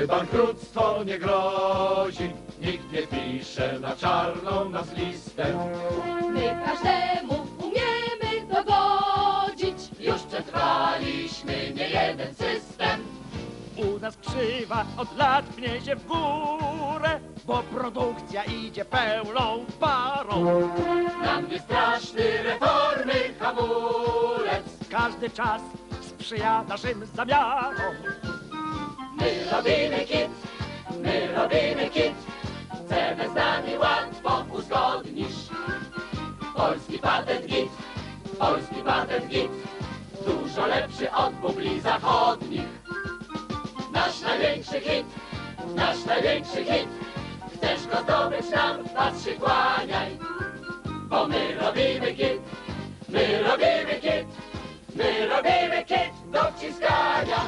gdy bankructwo nie grozi, nikt nie pisze na czarną nas listę. My każdemu umiemy dogodzić, Już przetrwaliśmy niejeden system. U nas krzywa od lat pnie się w górę, bo produkcja idzie pełną parą. Nam nie straszny reformy hamulec. Każdy czas sprzyja naszym zamiarom. My robimy kit, my robimy kit. Cenę z nami łatwo uzgodnisz. Polski patent git, polski patent git. Dużo lepszy od bubli zachodnich. Nasz największy hit, nasz największy hit. Chcesz go zdobyć, nam w pas się kłaniaj. Bo my robimy kit, my robimy kit, my robimy kit do wciskania.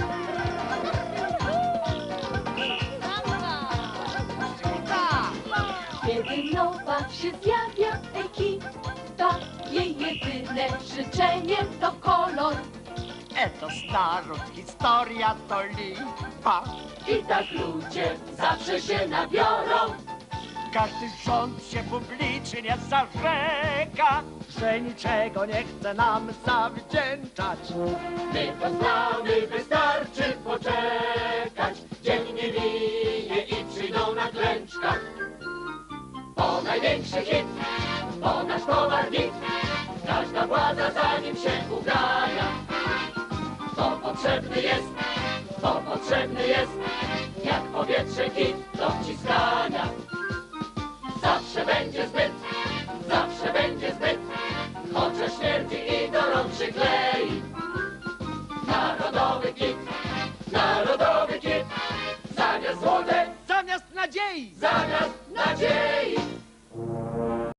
kiedy nowa się zjawia ekipa, jej jedyne życzenie to kolor. Eto starość, historia to lipa. I tak ludzie zawsze się nabiorą. Każdy rząd się publicznie zarzeka, że niczego nie chce nam zawdzięczać. My to znamy, wystarczy poczekać. Dzień nie minie i przyjdą na klęczkach. Po największy hit, po nasz towar git. Każda władza za nim się ugania. To potrzebny jest, to potrzebny jest. Jak powietrze hit do wciskania. Zawsze będzie zbyt, zawsze będzie zbyt. Chociaż śmierdzi i do rąk przyklei. Narodowy kit, narodowy kit. Zamiast złotek, Zamiast nadziei, zamiast nadziei.